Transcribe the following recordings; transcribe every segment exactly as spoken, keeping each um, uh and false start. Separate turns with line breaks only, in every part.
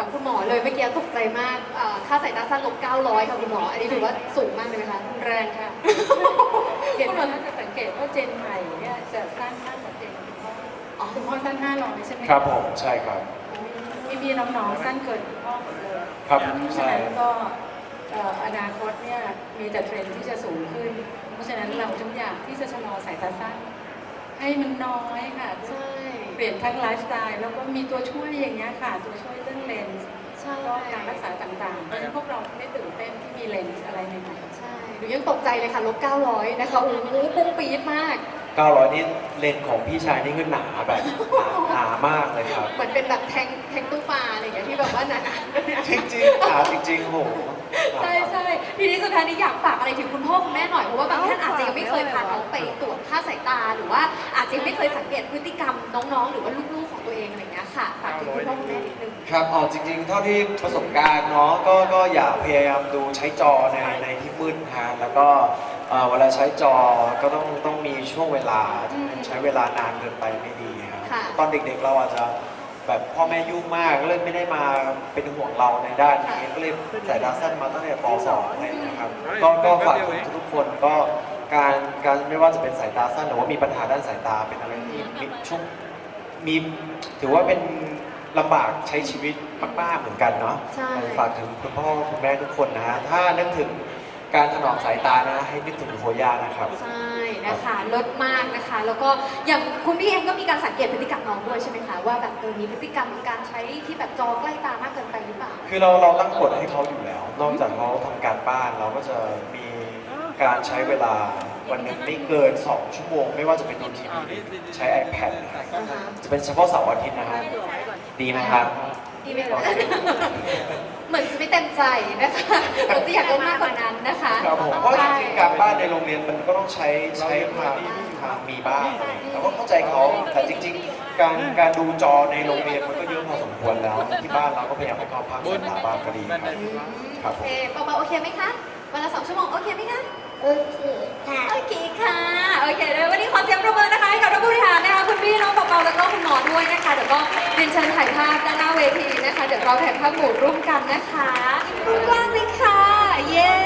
ามคุณหมอเลยเมื่อกี้ตกใจมากค่าสายตาสั้นลบเก้าร้อยค่ะคุณหมออันนี้ถือว่าสูงมากเลยไหมคะ
แรงค่ะเห็นว่าถ้าจะสังเกตว่าเจนใหม่เนี่ยจะสั้นมากกว่าเจนคุณพ่ออ๋อคุณพ่อสั้นห้าร้อยใช่ไหม
ครับผมใช่ครับ
พี่พี่น้องๆสั้นเกินคุณพ่อหมดเลย
ครับ
ฉะนั้นก็อนาคตเนี่ยมีแต่เทรนด์ที่จะสูงขึ้นเพราะฉะนั้นเราจึงอยากที่จะชะลอสายตาสั้นให้มันน้อยค่ะ
ใช่
เปลี่ยนทั้งไลฟ์สไตล์แล้วก็มีตัวช่วยอย่างเงี้ยค่ะตัวช่วยเรื่องเลนส์ก็การรักษาต่างๆเพราะฉะนั้นพวกเราไม่ตื่นเต้นที่มีเลนส์อะไรใหม่ๆ
ใช่หนูยังตกใจเลยค่ะลบเก้าร้อยนะคะโอ้โหปุ้งปี๊ดมาก
เก้าร้อยนี่เลนของพี่ชายนี่คือหนาแบบหนามากเลยครับ
เหมือนเป็นแบบแทงแทงตู้ปลาอะไรอย่างเงี้ยที่แบบว่าหนา
ๆจริงๆหนาจริงๆโห
ใช่ใช่ทีนี้สุดท้ายนี้อยากฝากอะไรถึงคุณพ่อคุณแม่หน่อยเพราะว่าบางท่านอาจจะยังไม่เคยพาน้องไปตรวจค่าสายตาหรือว่าอาจจะยังไม่เคยสังเกตพฤติกรรมน้องๆหรือว่าลูกๆของตัวเองอะไรอย่างเงี้ยค่ะฝากถึงคุณพ่อคุณแม่นิดนึง
ครับอ๋อจริงๆเท่าที่ประสบการณ์เนาะก็ก็อย่าพยายามดูใช้จอในในที่มืดฮะแล้วก็เวลาใช้จอก็ต้องต้องมีช่วงเวลาใช้เวลานานเกินไปไม่ดีครับตอนเด็กๆเราอาจจะแบบพ่อแม่ยุ่งมากเลยไม่ได้มาเป็นห่วงเราในด้านนี้ก็เลยสายตาสั้นมาตั้งแต่ป สอง อะไรนะครับก็ก็ฝากทุกคนก็การการไม่ว่าจะเป็นสายตาสั้นหรือว่ามีปัญหาด้านสายตาเป็นอะไรที่มีช่วงมีถือว่าเป็นลำบากใช้ชีวิตมากๆเหมือนกันเนาะฝากถึงคุณพ่อคุณแม่ทุกคนนะฮะถ้านึกถึงการถนอมสายตานะให้นึกถึงโคย่านะครับ
ใช่นะคะลดมากนะคะแล้วก็อย่างคุณพี่เองก็มีการสังเกตพฤติกรรมน้องด้วยใช่ไหมคะว่าแบบเออมีพฤติกรรมการใช้ที่แบบจอใกล้ตามากเกินไปหรือเปล่า
คือเราเราตั้งกฎให้เขาอยู่แล้วนอกจากเขาทำการบ้านเราก็จะมีการใช้เวลาวันหนึ่งไม่เกินสองชั่วโมงไม่ว่าจะเป็นดูทีวีใช้ iPad นะครับจะเป็นเฉพาะเสาร์อาทิตย์นะฮะดีไหมครับ
ดีไหมคะเหมือนจะไม่เต็มใจนะคะเราจะอยากได้มากกว่านั้นนะคะ
ครับผมเพราะจริงๆการบ้านในโรงเรียนมันก็ต้องใช้ใช้ทางทางมีบ้างเราก็เข้าใจเขาแต่จริงๆการการดูจอในโรงเรียนมันก็เยอะพอสมควรแล้วที่บ้านเราก็พยายามให้เขาพักสายตาบ้างก็ดีครับ
โอเคเบาๆโอเคไหมคะวันละสองชั่วโมงโอเคไหมคะ
โอเคค่ะ
โอเคค่ะโอเคเลยวันนี้ขอเสียงปรบมือนะคะให้กับท่านผู้บริหารนะคะคุณพี่น้องเปาๆแล้วก็คุณหมอด้วยนะคะเดี๋ยวก็เรียนเชิญถ่ายภาพด้านหน้าเวทีนะคะเดี๋ยวเราถ่ายภาพหมู่ร่วมกันนะคะกว้างเลยค่ะเย้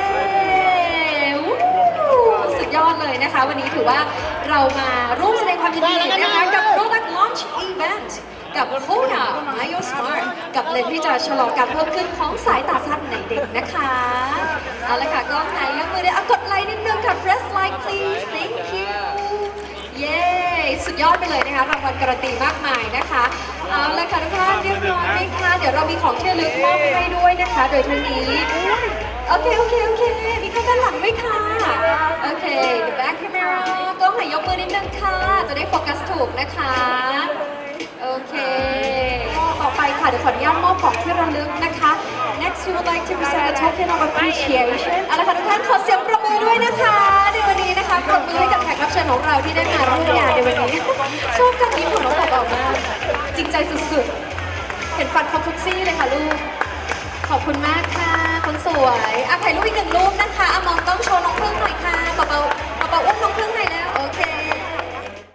สุดยอดเลยนะคะวันนี้ถือว่าเรามาร่วมแสดงความยินดีนะคะกับ Product Launch Event กับ Koya Myo Smart กับเลนส์ที่จะชะลอการเพิ่มขึ้นของสายตาสั้นในเด็กนะคะเอาละค่ะกล้องไหนยกมือได้เอากดไลค์นิดนึงค่ะ press like please thank you เย้สุดยอดไปเลยนะคะรางวัลการันตีมากมายนะคะเอาละค่ะทุกท่านเรียบร้อยไหมคะเดี๋ยวเรามีของที่ระลึกมอบให้ด้วยนะคะโดยทั้งนี้โอเคโอเคโอเคมีข้างด้านหลังไหมคะโอเค the back camera กล้องไหนยกมือนิดนึงค่ะจะได้โฟกัสถูกนะคะโอเคต่อไปค่ะเดี๋ยวขออนุญาตมอบของที่ระลึกนะคะ next we would like to present a token of appreciation เอาละค่ะทุกท่านขอเสียงปรบมือด้วยนะคะในวันนี้นะคะปรบมือให้กับแขกรับเชิญของเราที่ได้มาร่วมงานในวันนี้ชอบการยิ้มของน้องบอกมากจริงใจสุดๆเห็นฟันคอมทุกซี่เลยค่ะลูกขอบคุณมากค่ะคนสวยอ่ะถ่ายรูปอีกหนึ่งรูปนะคะเอามองต้องโชว์น้องพึ่งหน่อยค่ะเบาๆเบาๆอุ้มน้องพึ่งหน่อยนะ